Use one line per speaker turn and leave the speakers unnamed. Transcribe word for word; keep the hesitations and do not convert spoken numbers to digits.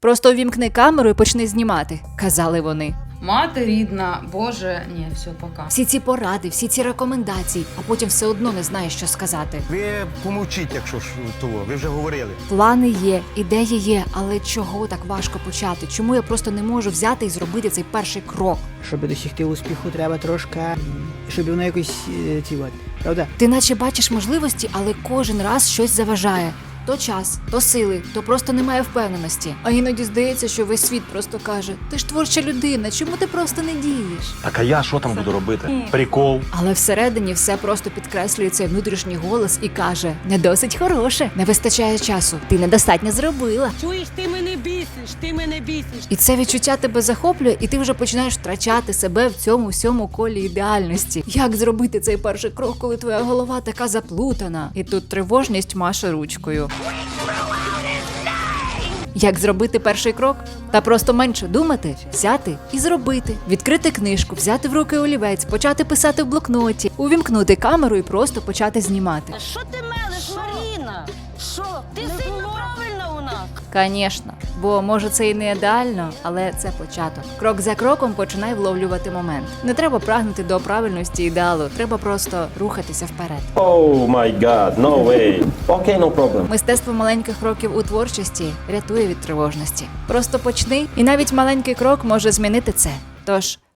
Просто увімкни камеру і почни знімати, казали вони.
Мати рідна, Боже, ні, все, пока.
Всі ці поради, всі ці рекомендації, а потім все одно не знаєш, що сказати.
Ви помовчіть, якщо ж того, ви вже говорили.
Плани є, ідеї є, але чого так важко почати? Чому я просто не можу взяти і зробити цей перший крок?
Щоб досягти успіху, треба трошки, щоб воно якось е, ці от, правда?
Ти наче бачиш можливості, але кожен раз щось заважає. То час, то сили, то просто немає впевненості. А іноді здається, що весь світ просто каже: ти ж творча людина, чому ти просто не дієш?
Так а я що там буду робити? Прикол.
Але всередині все просто підкреслює цей внутрішній голос і каже: не досить хороше, не вистачає часу, ти недостатньо зробила.
Чуєш, ти мене бісиш, ти мене бісиш.
І це відчуття тебе захоплює, і ти вже починаєш втрачати себе в цьому всьому колі ідеальності. Як зробити цей перший крок, коли твоя голова така заплутана? І тут тривожність маше ручкою. Як зробити перший крок? Та просто менше думати, взяти і зробити. Відкрити книжку, взяти в руки олівець, почати писати в блокноті, увімкнути камеру і просто почати знімати.
А що ти мелиш, Маріна? Що? Ти сильно правильна у нас.
Звісно, бо може це і не ідеально, але це початок. Крок за кроком починай вловлювати момент. Не треба прагнути до правильності ідеалу, треба просто рухатися вперед.
Oh my god, no way. Okay, no problem.
Мистецтво маленьких кроків у творчості рятує від тривожності. Просто почни, і навіть маленький крок може змінити це. Тож